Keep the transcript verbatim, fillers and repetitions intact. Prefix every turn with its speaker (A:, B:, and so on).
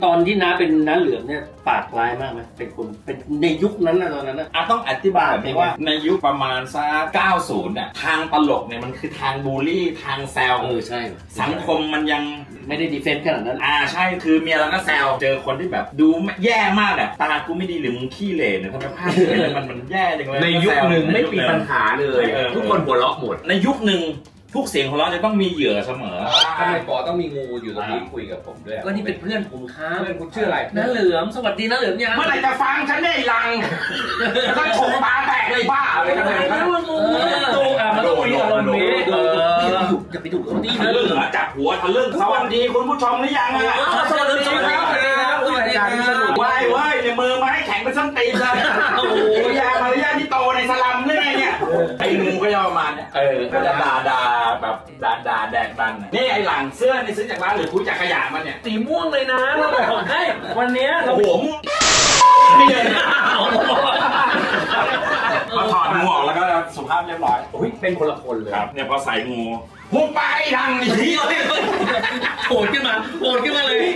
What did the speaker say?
A: ตอนที่น้าเป็นน้าเหลือมเนี่ยปากร้ายมากไหมเป็นคนเป็นในยุคนั้นนะตอนนั้นนะ
B: อ่ะต้องอธิบายแบบนี้ว่าในยุคประมาณสักเก้าสิบน่ะทางตลกเนี่ยมันคือทางบูลลี่ทางแซว
A: เออใช่
B: สังคมมันยัง
A: ไม่ได้ดีเฟนต์ขนาดนั้น
B: อ่าใช่คือเมียเราก็แซวเจอคนที่แบบดูแย่มากอ่ะตากูไม่ดีหรือมึงขี้เหร่เนี่ยทำไมภาพเนี่ยมันมันแย่จังเลย
C: ในยุคหนึ่งไม่มีปัญหาเลย
B: เออ
C: ทุกคนหัวเราะหมด
B: ในยุคหนึ่งทุกเสียงของเราะจะต้องมีเหยื่อเสมอ
C: ทำไมปอต้องมีงูอยู่ตรงนี้คุยกับผมด้วย
A: ก็นี่เป็นเพื่อนผมครับ
C: เพื่อนคุณชื่ออะไร
A: น้าเหลือมสวัสดีน้าเหลือมยัง
B: เมื่อไหร่จะฟังฉันได้ลังต้องโฉมตาแตกเลยบ้าอะไรกันเนี่ย
A: เออดูอ่ะมันต้องมีอารมณ์นี้เอออย่าไปดุเขาดิ
B: ทะลึ่งอะจับหัวทะลึ่งสวัสดีคุณผู้ชมหรือยังอ่ะ
A: สวัสดีครับสวัสดีครับสวัสดีครับ
B: ว้ายเว้ยในมือไม้แข็งเป็นส้นตีนเลยโอ้โหยามารยาทที่โตในสลัมเลยเนี่ยไอ้งูก็จะประมาณเนี่ยเออก็จะด่าด่าแบบด่าด่าแดกดันนี่ไอ้หลังเสื้อนี่ซื้อจากร้านหรือคุยจากขยะมันเนี่ย
A: สีม่วงเลยนะเราบอกให้วันนี้เรา
B: โอ้โหมึงนี่เลยพอถอดงูออกแล้วก็สุภาพเรียบร้อย
C: อุ้ยเป็นคนละคนเลย
B: ครับเนี่ยพอใส่งูหุบไปดังอีกทีเลย
A: โผล่ขึ้นมาโผล่ขึ้นมาเลย